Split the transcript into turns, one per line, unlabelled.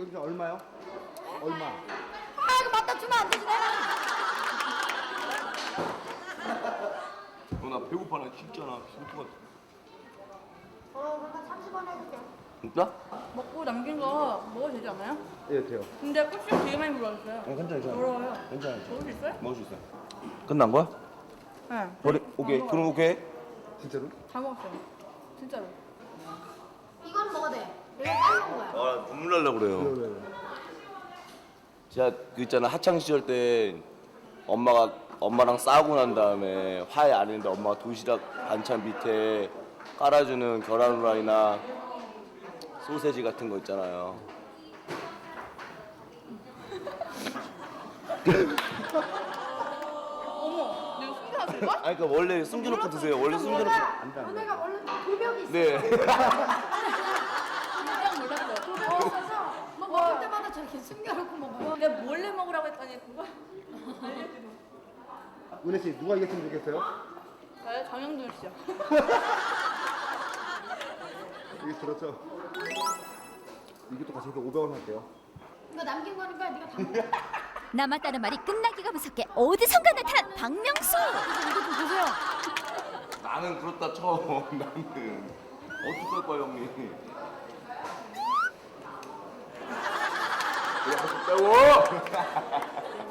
여기서 얼마요? 얼마?
아 이거 맞다 주면 안 되지 내가.
나 배고파. 나 진짜나 배고파.
그러니까 30원 해줄게.
진짜?
먹고 남긴 거 먹어도 되지 않아요?
예, 돼요.
근데 고추 되게 많이 물어줬어요.
괜찮아.
더러워요.
괜찮아.
먹을 수 있어요?
먹을 수 있어. 끝난 거야?
네.
오케이. 그럼 오케이.
진짜로?
다 먹었어요. 진짜로.
이건 먹어도 돼. 내가 따놓은 거야.
아, 눈물 날라 그래요.
왜?
제가 그 있잖아 하창 시절 때 엄마랑 싸우고 난 다음에 화해 안 했는데 엄마가 도시락 반찬 밑에 깔아주는 계란 후라이나 소세지 같은 거 있잖아요.
어머, 내가 숨겨놨을 걸?
아니 그러니까 원래 숨겨놓고 드세요. 원래 숨겨놓고 안 돼.
너네가 원래 돌벽이 있어.
네.
깜짝 놀랐어요.
그래서 뭐 먹을 때마다 저렇게 숨겨놓고 먹어.
내가 몰래 먹으라고 했더니 그거
은혜 씨 누가 이겼으면 좋겠어요?
저요? 정영준 씨요.
이게 들었죠? 이것도 같이 해서 500원 할게요.
이거 남긴 거니까 네가 다 먹어.
남았다는 말이 끝나기가 무섭게 어디선가 나타난 박명수.
이거 좀 보세요.
나는 그렇다 쳐. 나는 어떡할 거야 형님. 그래 하셨다고.